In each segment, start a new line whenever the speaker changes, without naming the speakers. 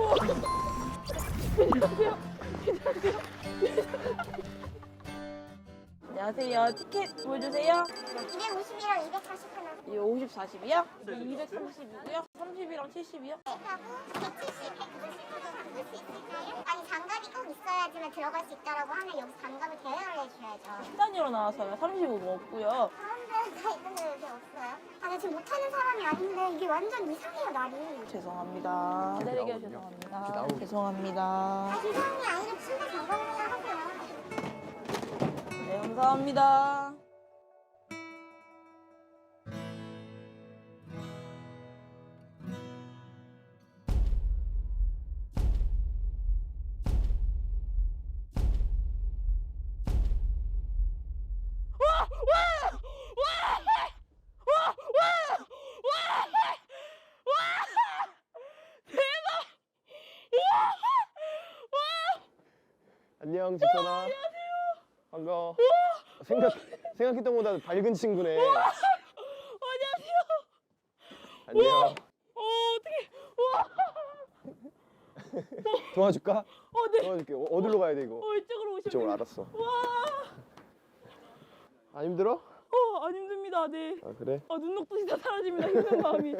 안녕하세요. 티켓 보여주세요.
250이랑 240 하나.
이거 50, 40이요? 230이고요. 30이랑 70이요?
하고 170, 190도 바꿀 수 있을까요? 아니 장갑이 꼭 있어야지만 들어갈 수 있다라고 하면 여기서 장갑을 대여를 해줘야죠.
10단위로 나와서요. 35가 없고요.
그런 데가 있는데 왜 없어요? 아, 나 지금 못하는 사람이 아닌데 이게 완전 이상해요, 날이.
죄송합니다. 기다리게 죄송합니다. 죄송합니다.
아, 이상이 아니라 침대 장갑을 하고요.
네, 감사합니다.
안녕 지선아. 안녕하세요. 반가워. 생각했던 것보다 밝은 친구네.
안녕하세요.
안녕.
어떡해.
도와줄까?
네.
도와줄게. 어디로 가야 돼 이거?
이쪽으로 오시면
이쪽으로
돼요.
알았어.
와.
안 힘들어?
안 힘듭니다. 네.
아 그래?
눈녹듯이 다 사라집니다. 힘든 마음이.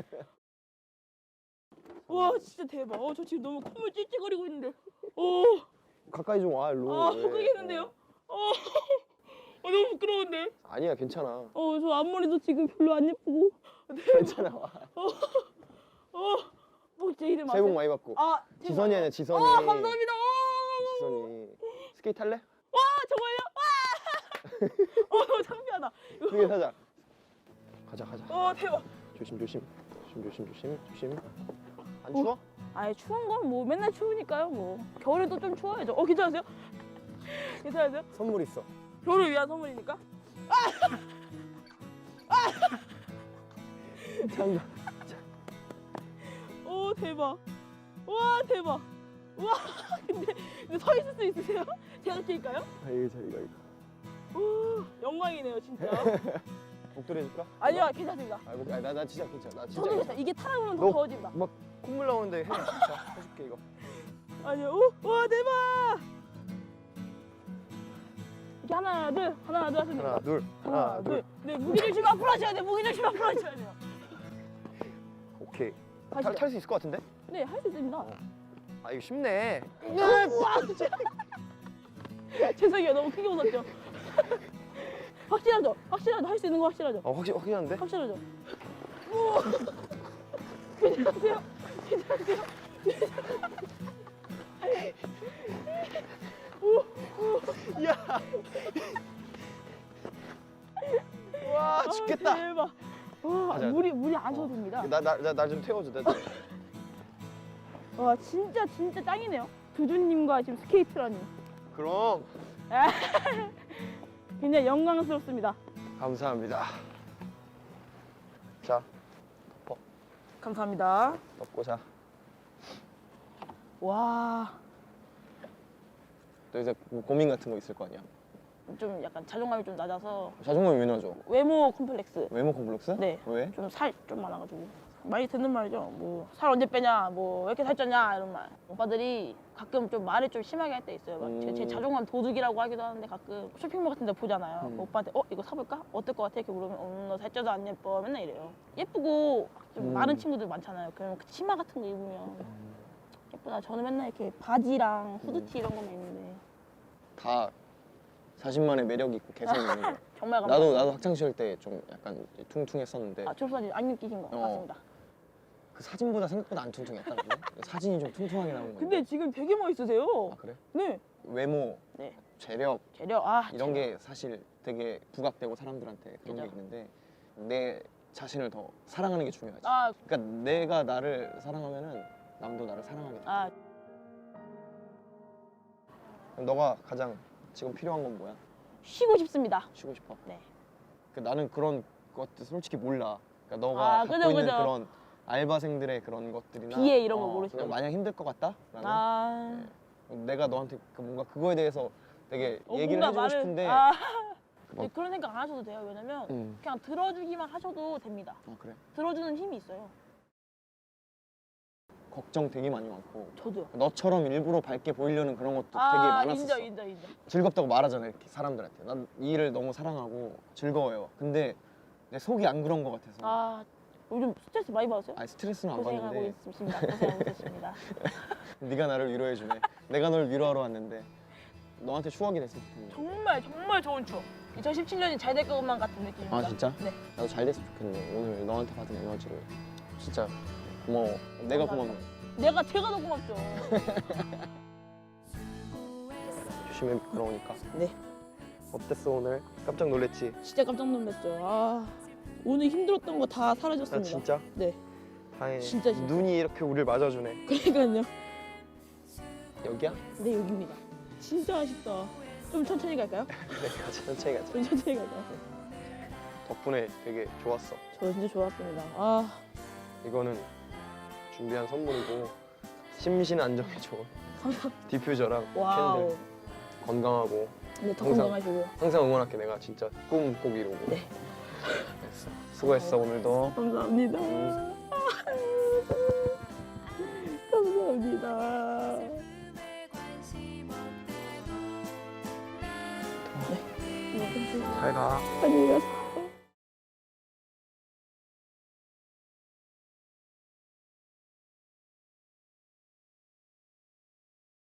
와, 진짜 대박. 저 지금 너무 콧물 찔찔거리고 있는데.
가까이 좀 와 일로. 왜?
그러겠는데요? 너무 부끄러운데.
아니야 괜찮아.
저 앞머리도 지금 별로 안 예쁘고.
괜찮아 와.
제 이름
새해 복
아세요?
많이 받고.
제발.
지선이 아니야 지선이.
감사합니다.
지선이. 스케이트 탈래?
와, 정말요? 와. 너무 창피하다.
크게 사자. 가자.
대박.
조심. 안 추워?
아예 추운 건 뭐 맨날 추우니까요. 뭐 겨울에도 좀 추워야죠. 괜찮으세요? 괜찮으세요?
선물 있어.
겨울을 위한 선물이니까.
장갑.
대박. 와, 대박. 와, 근데 서 있을 수 있으세요? 제가 낄까요?
이거.
영광이네요, 진짜.
목도리 해줄까?
아니요, 괜찮습니다.
나 진짜 괜찮아. 나 진짜
저도
괜찮아.
괜찮아요. 이게 타다 보면 더
너
더워집니다.
막 콧물 나오는데 해. 자, 해줄게 이거.
아니요. 와, 대박. 이렇게 하나, 둘 하시면 됩니다.
하나, 둘.
네, 무기 중심 앞으로 하셔야 돼요. 무기 중심 앞으로 하셔야 돼요.
오케이.
가시죠.
탈 수 있을 것 같은데?
네, 할 수 있습니다.
아 이거 쉽네.
죄송해요. 너무 크게 웃었죠. 확실하죠? 할 수 있는 거 확실하죠?
확실한데?
확실하죠? 우와. 괜찮으세요?
야. 와 죽겠다.
대박. 와,
가자.
물이 안 줘도 됩니다.
나 좀 태워줘.
와, 진짜 짱이네요. 두준님과 지금 스케이트라니.
그럼
굉장히 영광스럽습니다.
감사합니다. 자,
감사합니다.
덮고 자.
와,
너 이제 고민 같은 거 있을 거 아니야?
좀 약간 자존감이 좀 낮아서
자존감이 왜 나죠?
외모 컴플렉스.
외모 콤플렉스?
네.
왜?
좀 살 좀 많아가지고 많이 듣는 말이죠. 뭐 살 언제 빼냐, 뭐 왜 이렇게 살쪘냐 이런 말. 오빠들이 가끔 좀 말을 좀 심하게 할 때 있어요. 막 제 자존감 도둑이라고 하기도 하는데 가끔 쇼핑몰 같은 데 보잖아요. 오빠한테 이거 사볼까? 어떨 것 같아? 이렇게 물으면 너 살쪄도 안 예뻐. 맨날 이래요. 예쁘고 좀 마른 친구들 많잖아요. 그러면 그 치마 같은 거 입으면 예쁘다. 저는 맨날 이렇게 바지랑 후드티 이런 거만 입는데
다 자신만의 매력이 있고 개성이 있는 거야.
정말 감사합니다.
나도 학창 시절 때 좀 약간 퉁퉁했었는데
졸업사진 안 느끼신 거 같습니다.
그 사진보다 생각보다 안 퉁퉁했다거든. 사진이 좀 퉁퉁하게 나온 건데.
근데 지금 되게 멋있으세요.
아 그래?
네.
외모,
네.
재력
재력.
이런 게 사실 되게 부각되고 사람들한테 그런 게
그죠.
있는데 내 자신을 더 사랑하는 게 중요하지.
아,
그러니까 내가 나를 사랑하면은 남도 나를 사랑하게 돼. 그럼 너가 가장 지금 필요한 건 뭐야?
쉬고 싶습니다.
쉬고 싶어.
네.
나는 그런 것들 솔직히 몰라. 그러니까 너가 갖고
그죠,
있는
그죠.
그런 알바생들의 그런 것들이나
비애 이런 거 모르시죠?
마냥 힘들 것 같다? 라는 내가 너한테 뭔가 그거에 대해서 되게 얘기를
뭔가
해주고 싶은데
네, 그런 생각 안 하셔도 돼요. 왜냐면 그냥 들어주기만 하셔도 됩니다.
그래?
들어주는 힘이 있어요.
걱정 되게 많이 많고
저도요.
너처럼 일부러 밝게 보이려는 그런 것도 되게
아,
많았었어.
인정.
즐겁다고 말하잖아 이렇게 사람들한테. 난 이 일을 너무 사랑하고 즐거워요. 근데 내 속이 안 그런 것 같아서.
아, 요즘 스트레스 많이 받으세요?
아니 스트레스는 안
고생하고
받는데
있습니다. 고생하고 있습니다.
네가 나를 위로해주네. 내가 널 위로하러 왔는데 너한테 추억이 됐으면 좋겠네.
정말 좋은 추억. 2017년이 잘 될 것만 같은 느낌입니다.
아 진짜?
네.
나도 잘 됐으면 좋겠네. 오늘 너한테 받은 에너지를 진짜 고마워. 내가 고맙네.
제가 더 고맙죠.
조심해 미끄러우니까.
네.
어땠어 오늘? 깜짝 놀랬지?
진짜 깜짝 놀랐죠. 아, 오늘 힘들었던 거 다 사라졌습니다.
아 진짜?
네.
다행히
진짜.
눈이 이렇게 우리를 맞아주네.
그러니까요.
여기야?
네, 여기입니다. 진짜 아쉽다. 좀 천천히 갈까요?
그래 가자 천천히 가자.
좀 천천히 갈까요?
덕분에 되게 좋았어.
저 진짜 좋았습니다. 아,
이거는 준비한 선물이고 심신 안정에 좋은 디퓨저랑
와우.
캔들. 건강하고
네, 더
항상-
건강하시고.
항상 응원할게. 내가 진짜 꿈 꼭 이루고.
네.
됐어. 수고했어 오늘도.
감사합니다. 감사합니다. 네.
잘 가.
안녕히 가세요.